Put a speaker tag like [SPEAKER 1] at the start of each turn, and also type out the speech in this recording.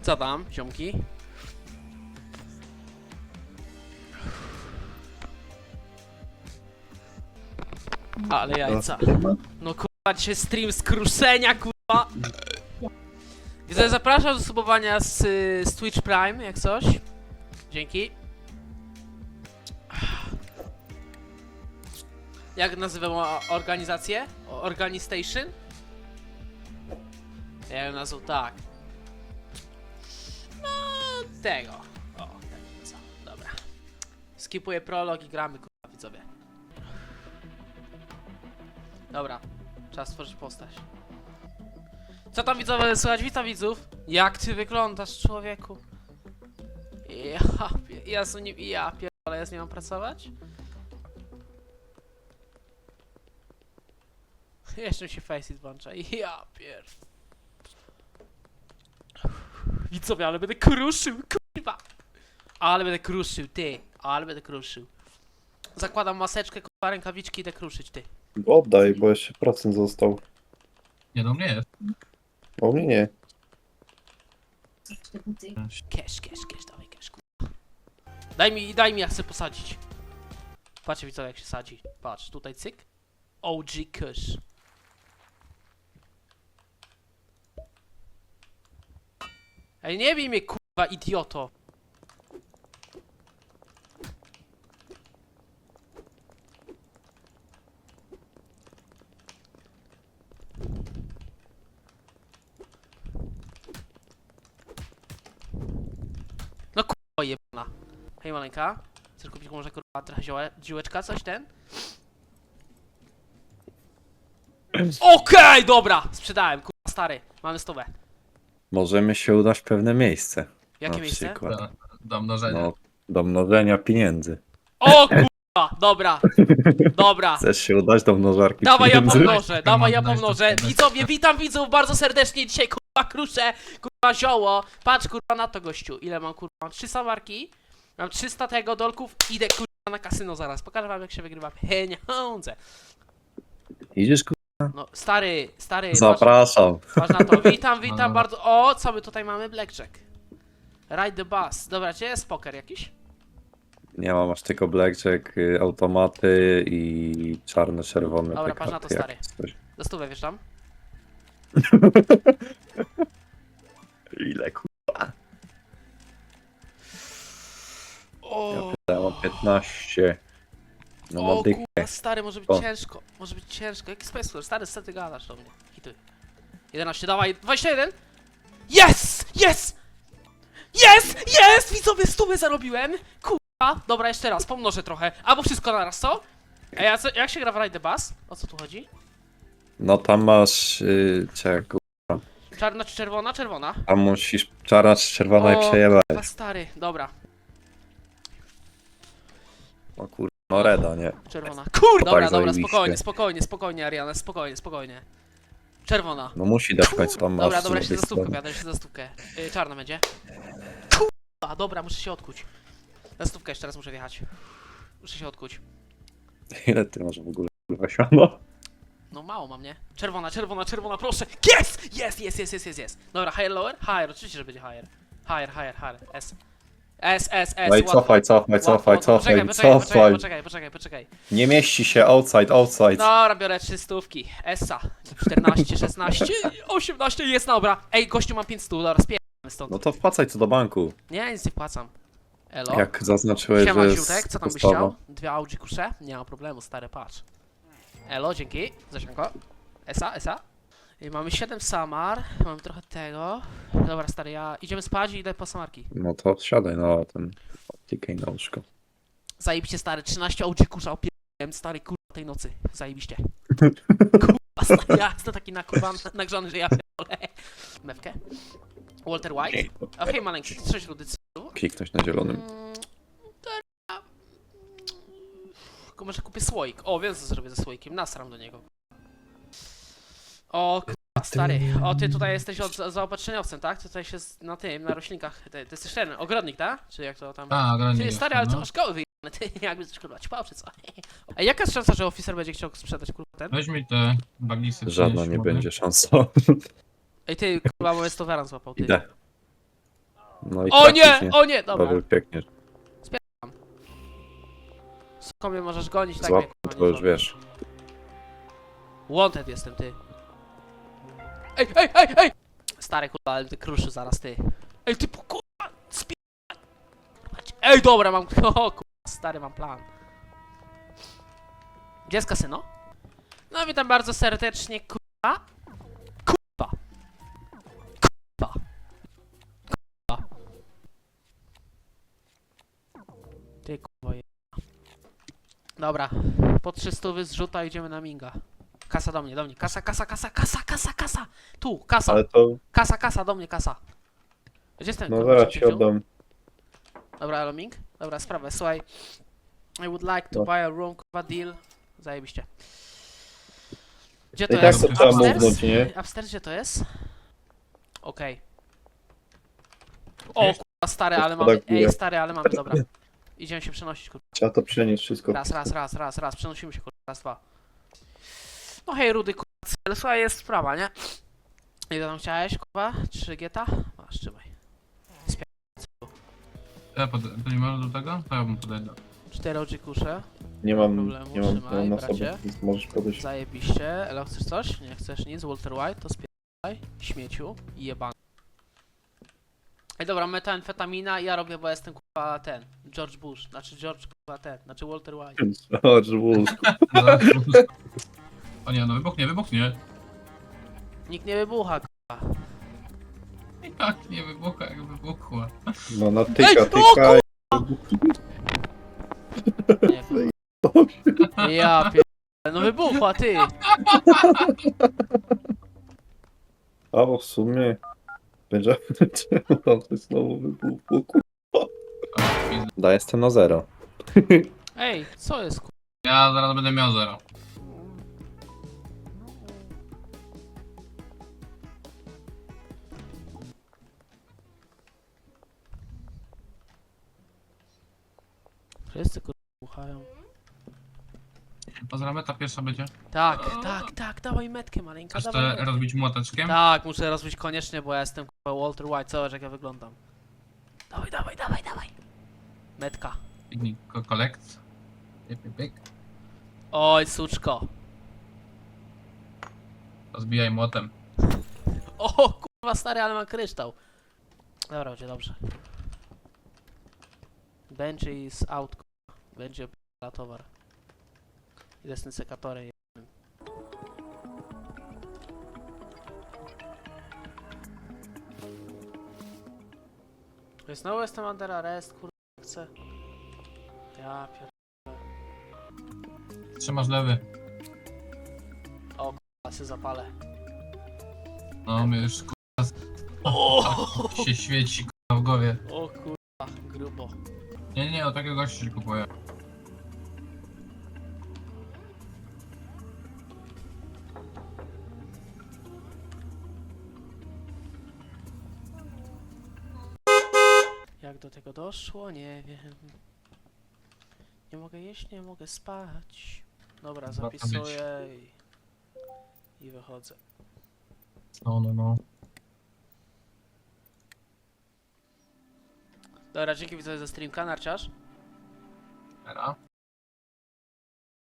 [SPEAKER 1] Co tam, ziomki? Ale jajca. No kurwa, dzisiaj stream z kruszenia, kurwa. Widzę, zapraszam do subowania z Twitch Prime, jak coś. Dzięki. Jak nazywam organizację? Organistation? Ja ją nazwał tak. No, tego. O, tego co. Dobra. Skipuję prolog i gramy, kurwa, widzowie. Dobra. Czas stworzyć postać. Co tam, widzowie, słuchać? Witam widzów. Jak ty wyglądasz, człowieku? Ja pierdolę, ja z nią mam pracować? Jeszcze mi się Faceit włącza. Ja pier... Widzowie, ale będę kruszył, kurwa! Ale będę kruszył, ty! Ale będę kruszył. Zakładam maseczkę, kurwa, rękawiczki, idę kruszyć, ty.
[SPEAKER 2] Oddaj, bo jeszcze procent został.
[SPEAKER 3] Nie, do mnie jest.
[SPEAKER 2] O mnie nie.
[SPEAKER 1] Cash, dawaj cash, kurwa. Daj mi, ja chcę posadzić. Patrzcie, widzowie, jak się sadzi. Patrz, tutaj cyk. OG Kush. Ej, nie bij mnie, kurwa, idioto. No kurwa jebana. Hej maleńka. Chcesz kupić może kurwa trochę ziółeczka, coś ten? Okej, dobra! Sprzedałem, kurwa stary. Mamy 100.
[SPEAKER 2] Możemy się udać w pewne miejsce.
[SPEAKER 1] Jakie
[SPEAKER 2] Na
[SPEAKER 1] miejsce?
[SPEAKER 2] przykład.
[SPEAKER 3] Do mnożenia.
[SPEAKER 2] No, do mnożenia pieniędzy.
[SPEAKER 1] O kurwa! Dobra, dobra.
[SPEAKER 2] Chcesz się udać do mnożarki
[SPEAKER 1] Dawaj ja
[SPEAKER 2] pieniędzy?
[SPEAKER 1] pomnożę, dawaj ja
[SPEAKER 3] Daj,
[SPEAKER 1] pomnożę.
[SPEAKER 3] daj.
[SPEAKER 1] Widzowie, witam widzów bardzo serdecznie dzisiaj, kurwa kruszę, kurwa zioło. Patrz kurwa na to, gościu. Ile mam, kurwa? Mam 300 marki, mam 300 tego dolków, idę kurwa na kasyno zaraz. Pokażę wam, jak się wygrywa pieniądze.
[SPEAKER 2] Idziesz,
[SPEAKER 1] No stary,
[SPEAKER 2] Zapraszam.
[SPEAKER 1] patrz na to. Witam
[SPEAKER 3] No.
[SPEAKER 1] bardzo. O, co my tutaj mamy? Blackjack. Ride the bus. Dobra, gdzie jest poker jakiś?
[SPEAKER 2] Nie mam, masz tylko blackjack, automaty i czarne, czerwone.
[SPEAKER 1] Dobra,
[SPEAKER 2] te
[SPEAKER 1] patrz na to,
[SPEAKER 2] karty,
[SPEAKER 1] stary.
[SPEAKER 2] jak coś.
[SPEAKER 1] Za stówę, wiesz tam?
[SPEAKER 2] Ile kurwa?
[SPEAKER 1] O,
[SPEAKER 2] Ja mam 15. No
[SPEAKER 1] o
[SPEAKER 2] mam dychę.
[SPEAKER 1] kurwa, stary, może być
[SPEAKER 2] O.
[SPEAKER 1] ciężko. Może być ciężko. Jaki Space Force? Stary, co ty gadasz do mnie? Hituj. 11, dawaj, 21! Yes! Yes! Yes! Yes! Widzowie, 100 zarobiłem! Kurwa! Dobra, jeszcze raz, pomnożę trochę. Albo wszystko naraz, co? Ej, a co, jak się gra w Ride the Bus? O co tu chodzi?
[SPEAKER 2] No tam masz, czego?
[SPEAKER 1] Czarna czy czerwona? Czerwona.
[SPEAKER 2] Tam musisz czarna czy czerwona i przejebać.
[SPEAKER 1] kurwa, stary, dobra.
[SPEAKER 2] O kurwa, no reda, nie?
[SPEAKER 1] Czerwona. Kur! Dobra,
[SPEAKER 2] Tak
[SPEAKER 1] dobra,
[SPEAKER 2] zajebiście.
[SPEAKER 1] spokojnie, Ariana, spokojnie. Czerwona.
[SPEAKER 2] No musi dać w końcu tam masz.
[SPEAKER 1] Dobra,
[SPEAKER 2] z
[SPEAKER 1] jeszcze
[SPEAKER 2] drugiej
[SPEAKER 1] za stówkę,
[SPEAKER 2] strony.
[SPEAKER 1] jadę jeszcze za stówkę. Czarna będzie. Kurwa, dobra, muszę się odkuć. Za stówkę jeszcze raz muszę wjechać. Muszę się odkuć.
[SPEAKER 2] Ile ty masz w ogóle kurwa siano?
[SPEAKER 1] No mało mam, nie? Czerwona, proszę! Jest! Dobra, higher, lower? Higher, oczywiście, że będzie higher. Higher, S. S,
[SPEAKER 2] No i
[SPEAKER 1] łatwo.
[SPEAKER 2] cofaj.
[SPEAKER 1] Poczekaj.
[SPEAKER 2] Nie mieści się, outside.
[SPEAKER 1] Dobra, biorę 3 stówki. Essa. 14, 16, 18, jest dobra. Ej, gościu, mam 500, dobra, spierdolamy stąd.
[SPEAKER 2] No to wpłacaj co do banku.
[SPEAKER 1] Nie, nic nie wpłacam. Elo?
[SPEAKER 2] Jak zaznaczyłeś,
[SPEAKER 1] Siema,
[SPEAKER 2] że jest
[SPEAKER 1] Ziutek, co tam byś
[SPEAKER 2] postawa.
[SPEAKER 1] chciał? 2 Audi kusze? Nie ma problemu, stary, patrz. Elo, dzięki. Zasianko. Esa. I mamy 7 samar, mamy trochę tego. Dobra, stary, idziemy spać i idę po samarki.
[SPEAKER 2] No to siadaj na ten optykę i na łóżko.
[SPEAKER 1] Zajebiście, stary, 13 Audi kusza, opierałem, stary, kurwa, tej nocy. Zajebiście. Kurwa, stary, ja jestem taki nagrzany, że ja pierdolę. Mewkę. Walter White. O, hej, maleńki, ty coś rudy, co?
[SPEAKER 2] Kliknąć na zielonym.
[SPEAKER 1] Tylko może kupię słoik. O, wiem co zrobię ze słoikiem. Nasram do niego. O, kurwa, stary. O, ty tutaj jesteś zaopatrzeniowcem, tak? Ty tutaj się na tym, na roślinkach. Ty jesteś ten ogrodnik, tak? Czy jak to tam...
[SPEAKER 3] A, granie.
[SPEAKER 1] Ty, stary, ale co masz koły wyjebane? Ty jakby coś kurwa ćpał, czy co? Ej, jaka jest szansa, że oficer będzie chciał sprzedać kurwa ten?
[SPEAKER 3] Weź mi te baglisy.
[SPEAKER 2] Żadna
[SPEAKER 3] przynieś,
[SPEAKER 2] nie
[SPEAKER 3] mogę?
[SPEAKER 2] będzie szansa.
[SPEAKER 1] Ej, ty kurwa, bo jest toweran złapał, ty.
[SPEAKER 2] Idę. No i
[SPEAKER 1] O
[SPEAKER 2] trafisz,
[SPEAKER 1] nie! O nie! Dobra.
[SPEAKER 2] Bo uciekniesz.
[SPEAKER 1] Skąd mnie możesz gonić, tak
[SPEAKER 2] Złap,
[SPEAKER 1] mnie, kurwa,
[SPEAKER 2] to
[SPEAKER 1] nie
[SPEAKER 2] już
[SPEAKER 1] złapiesz.
[SPEAKER 2] wiesz.
[SPEAKER 1] Wanted jestem, ty. Ej, ej, ej, ej! Stary kurwa, ale ty kruszy zaraz, ty. Ej, ty kurwa, ej, dobra, mam, o kurwa, stary, mam plan. Gdzie jest kasyno? No, witam bardzo serdecznie, kurwa. Kurwa. Kurwa. Kurwa. Ty kurwa je... Dobra, po 300 zrzuta idziemy na minga. Kasa do mnie, kasa, kasa, kasa, kasa, kasa, kasa! Tu, kasa,
[SPEAKER 2] Ale to,
[SPEAKER 1] kasa, kasa, do mnie, kasa. Gdzie jest ten
[SPEAKER 2] no
[SPEAKER 1] kurwa,
[SPEAKER 2] zaraz
[SPEAKER 1] co
[SPEAKER 2] ci
[SPEAKER 1] cię wziął?
[SPEAKER 2] oddam.
[SPEAKER 1] Dobra, elo Ming. Dobra, sprawę, słuchaj. I would like to
[SPEAKER 2] No.
[SPEAKER 1] buy a room, kurwa, deal. Zajebiście. Gdzie to
[SPEAKER 2] I tak
[SPEAKER 1] jest?
[SPEAKER 2] to trzeba
[SPEAKER 1] Upstairs?
[SPEAKER 2] mównąć, nie?
[SPEAKER 1] Upstairs, gdzie to jest? Okej. O, kurwa, stary, ale mamy,
[SPEAKER 2] Gospoda górę.
[SPEAKER 1] ej, stary, ale mamy, dobra. Idziemy się przenosić, kurwa.
[SPEAKER 2] Trzeba to przenieść wszystko.
[SPEAKER 1] Raz, przenosimy się, kurwa, raz, dwa. No hej, rudy, kurwa, cel, słuchaj, jest sprawa, nie? Ile tam chciałeś, kurwa? 3 geta? Masz, trzymaj.
[SPEAKER 3] To nie można do tego? To ja bym podejdę.
[SPEAKER 1] 4 OG kusze.
[SPEAKER 2] Nie mam,
[SPEAKER 1] problemu,
[SPEAKER 2] nie mam, nie
[SPEAKER 1] trzymaj,
[SPEAKER 2] mam na sobie,
[SPEAKER 1] bracie.
[SPEAKER 2] więc możesz podejść.
[SPEAKER 1] Zajebiście. Elo, chcesz coś? Nie chcesz nic? Walter White, to spierdaj. Śmieciu. I jebany. Ej, dobra, metamfetamina, ja robię, bo jestem kurwa ten. George Bush. Znaczy George kurwa ten. Znaczy Walter White.
[SPEAKER 2] George Bush.
[SPEAKER 3] O nie, no wybuchnie, wybuchnie.
[SPEAKER 1] Nikt nie wybucha, kurwa.
[SPEAKER 3] Jak nie wybucha, jak wybuchła.
[SPEAKER 2] No
[SPEAKER 1] Ej,
[SPEAKER 2] natyka,
[SPEAKER 1] o,
[SPEAKER 2] tyka.
[SPEAKER 1] Nie, kurwa. Ja pierdolę. No wybuchła, ty.
[SPEAKER 2] A bo w sumie będzie czemu tam coś znowu wybuchło, kurwa. Da, jestem na 0.
[SPEAKER 1] Ej, co jest, kurwa?
[SPEAKER 3] Ja zaraz będę miał 0.
[SPEAKER 1] Wszyscy kurwa wybuchają.
[SPEAKER 3] A zaraz meta pierwsza będzie.
[SPEAKER 1] Tak, dawaj metkę maleńka,
[SPEAKER 3] Chcesz
[SPEAKER 1] dawaj
[SPEAKER 3] to
[SPEAKER 1] metkę.
[SPEAKER 3] rozbić młoteczkiem?
[SPEAKER 1] Tak, muszę rozbić koniecznie, bo ja jestem kurwa Walter White, zobacz jak ja wyglądam. Dawaj. Metka.
[SPEAKER 3] Piknik kolekt. Pyk.
[SPEAKER 1] Oj, suczko.
[SPEAKER 3] Rozbijaj młotem.
[SPEAKER 1] O, kurwa stary, ale ma kryształ. Dobra, będzie dobrze. Benji is out, kurwa. Benji opiera towar. Idę z tym sekatorem jednym. Znowu jestem under arrest, kurwa, chcę. Ja pier...
[SPEAKER 3] Trzymasz lewy.
[SPEAKER 1] A się zapalę.
[SPEAKER 3] No mnie już
[SPEAKER 1] O,
[SPEAKER 3] się świeci w głowie.
[SPEAKER 1] o kurwa, grubo.
[SPEAKER 3] Nie, o takiego gościa się kupuję.
[SPEAKER 1] Jak do tego doszło? Nie wiem. Nie mogę jeść, nie mogę spać. Dobra,
[SPEAKER 3] Warto
[SPEAKER 1] zapisuję i wychodzę.
[SPEAKER 3] No.
[SPEAKER 1] Dobra, dzięki widzowie za streamka, narciarz.
[SPEAKER 3] Era.